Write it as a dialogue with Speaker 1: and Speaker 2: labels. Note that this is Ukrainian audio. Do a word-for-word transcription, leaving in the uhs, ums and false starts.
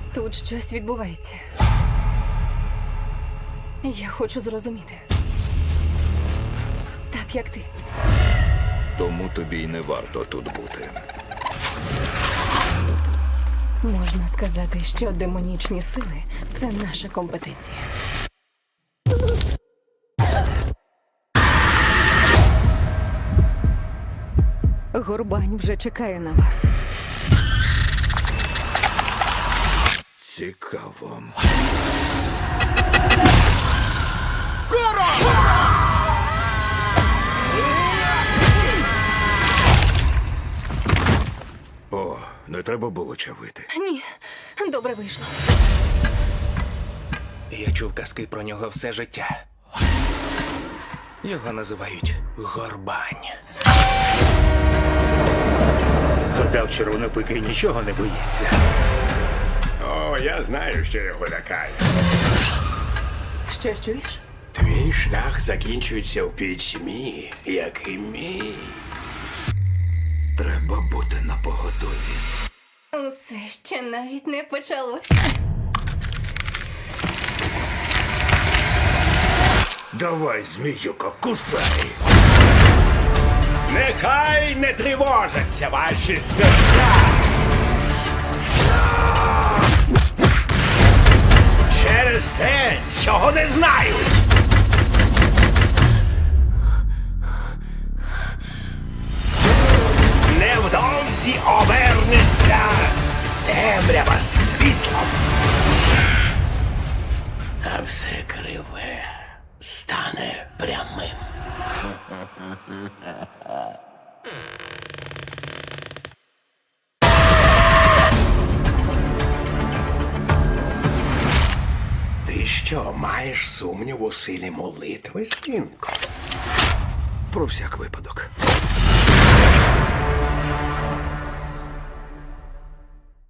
Speaker 1: Тут щось відбувається. Я хочу зрозуміти. Так, як ти.
Speaker 2: Тому тобі й не варто тут бути.
Speaker 1: Можна сказати, що демонічні сили – це наша компетенція. Горбань вже чекає на вас.
Speaker 2: Цікаво. О, не треба було чавити.
Speaker 1: Ні, добре вийшло.
Speaker 3: Я чув казки про нього все життя. Його називають Горбань.
Speaker 4: Гадав, червонопикий нічого не боїться.
Speaker 5: О, я знаю, що його лякає.
Speaker 1: Що чуєш?
Speaker 5: Твій шлях закінчується в пітьмі, як і мій.
Speaker 2: Треба бути напоготові.
Speaker 1: Усе ще навіть не почалося.
Speaker 2: Давай, зміюко, кусай!
Speaker 5: Нехай не тривожаться ваші серця. Через те, чого не знають. Невдовзі обернеться темрява світлом. А все криве стане прямим. Ти що, маєш сумнів у силі молитви, синку?
Speaker 2: Про всяк випадок.